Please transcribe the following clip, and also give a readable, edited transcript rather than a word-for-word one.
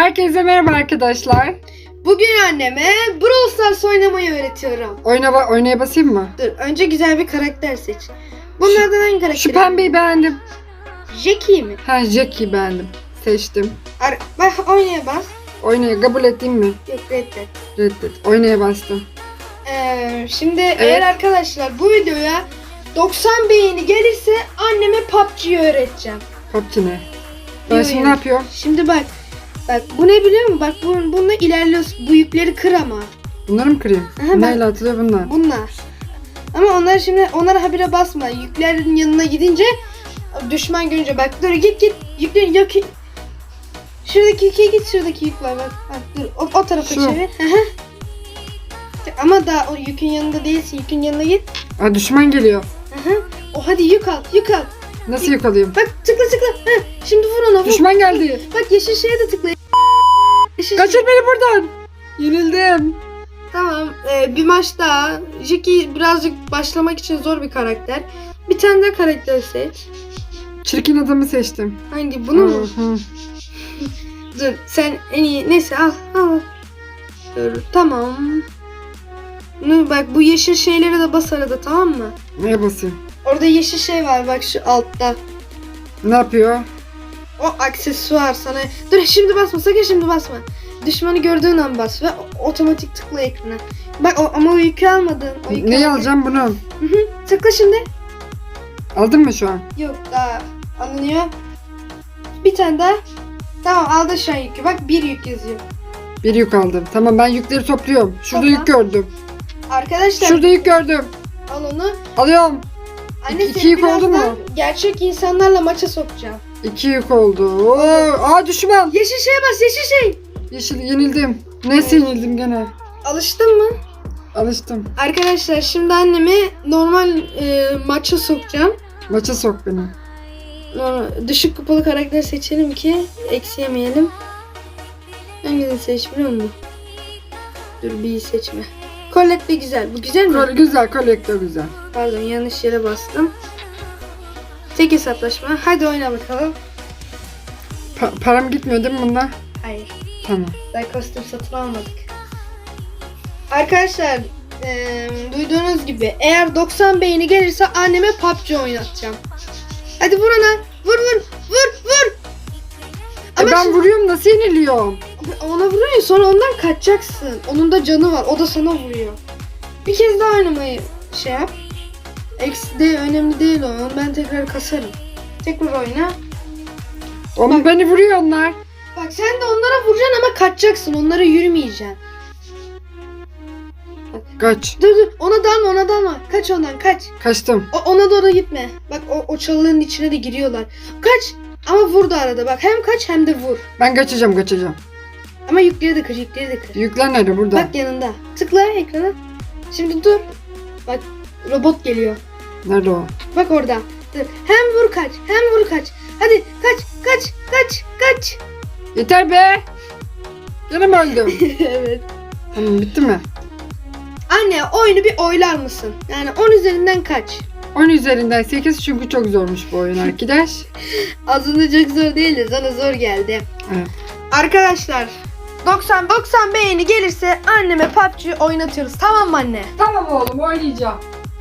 Herkese merhaba arkadaşlar. Bugün anneme Brawl Stars oynamayı öğretiyorum. Oynaya basayım mı? Dur, önce güzel bir karakter seç. Bunlardan hangi karakteri? Şu pembeyi beğendim. Jackie mi? Ha, Jackie'yi beğendim. Seçtim. Bak oynaya bas. Oynaya kabul edeyim mi? Yok, reddet. Reddet. Oynaya bastım. Şimdi eğer arkadaşlar bu videoya 90 beğeni gelirse anneme PUBG'yi öğreteceğim. PUBG ne? Ben Yo, şimdi yo. ne yapıyorum? Şimdi bak bu ne biliyor musun? Bak bununla ilerliyorsun. Bu yükleri kır ama. Bunları mı kırayım? Aha, Neyle atılıyor bunlar? Bunlar. Ama onlara habire basma. Yüklerin yanına gidince düşman görünce bak dur git yüklerin yok. Şuradaki yüke git, şuradaki yük var bak. Dur o tarafa Şu. çevir. Ama daha o yükün yanında değilsin. Yükün yanına git. Aa, düşman geliyor. O hadi yük al. Nasıl yakalayayım? Bak tıkla. Şimdi vur ona vur. Düşman geldi. Bak yeşil şeye de tıkla. Kaçır beni buradan. Yenildim. Tamam. Bir maç daha. Jackie birazcık başlamak için zor bir karakter. Bir tane daha karakter seç. Çirkin adamı seçtim. Hangi? Bunu mu? Hı. Dur sen en iyi. Neyse al. Dur tamam. Bak bu yeşil şeylere de bas arada, tamam mı? Neye basayım? Orada yeşil şey var bak şu altta. Ne yapıyor? O aksesuar sana. Dur şimdi basma, sakın şimdi basma. Düşmanı gördüğün an bas ve otomatik tıkla ekrana. Bak ama o yükü almadın. Neyi alacağım bunu? Tıkla şimdi. Aldın mı şu an? Yok daha alınıyor. Bir tane daha. Tamam aldı şu an yükü. Bak bir yük yazıyor. Bir yük aldım. Tamam, ben yükleri topluyorum. Şurada Topla. yük gördüm. Arkadaşlar Şurada yük gördüm. al onu. Alıyorum. Anne İki seni yük oldu birazdan mu? gerçek insanlarla maça sokacağım. 2 yük oldu. Oo, aa, düşman. Yeşil şeye bas, yeşil şey. Yeşil, yenildim. Neyse, yenildim gene. Alıştın mı? Alıştım. Arkadaşlar şimdi annemi normal maça sokacağım. Maça sok beni. Düşük kupalı karakter seçelim ki eksi yemeyelim. Hangisini seç biliyor musun? Dur bir seçme. Colette de güzel. Bu güzel mi? Güzel, kolektör güzel. Pardon yanlış yere bastım. Tek hesaplaşma. Hadi oyna bakalım. Param gitmiyor değil mi bunda? Hayır. Tamam. Daha kostüm satın almadık. Arkadaşlar duyduğunuz gibi eğer 90 beğeni gelirse anneme PUBG oynatacağım. Hadi vur ona. Vur. Ben vuruyorum, nasıl yeniliyorum? Ona vuruyor sonra ondan kaçacaksın. Onun da canı var. O da sana vuruyor. Bir kez daha oynamayı şey yap. Eksi de önemli değil o. Ben tekrar kasarım. Tekrar oyna. Oğlum beni vuruyor onlar. Bak sen de onlara vuracaksın ama kaçacaksın. Onlara yürümeyeceksin. Kaç. Dur ona dalma. Kaç ondan kaç. Kaçtım. Ona doğru gitme. Bak o çalının içine de giriyorlar. Kaç. Ama vur da arada bak. Hem kaç hem de vur. Ben kaçacağım. Ama yükleri de kır. Yükler nerede? Burada. Bak yanında. Tıkla ekrana. Şimdi dur. Bak robot geliyor. Nerede o? Bak orada. Dur. Hem vur kaç. Hadi kaç. Yeter be. Gene mi öldüm? Evet. Tamam, bitti mi? Anne oyunu bir oylar mısın? Yani 10 üzerinden kaç? 10 üzerinden 8, çünkü çok zormuş bu oyun arkadaş. Aslında çok zor değil de sana zor geldi. Evet. Arkadaşlar 90 beğeni gelirse anneme PUBG oynatıyoruz, tamam mı anne? Tamam oğlum, oynayacağım.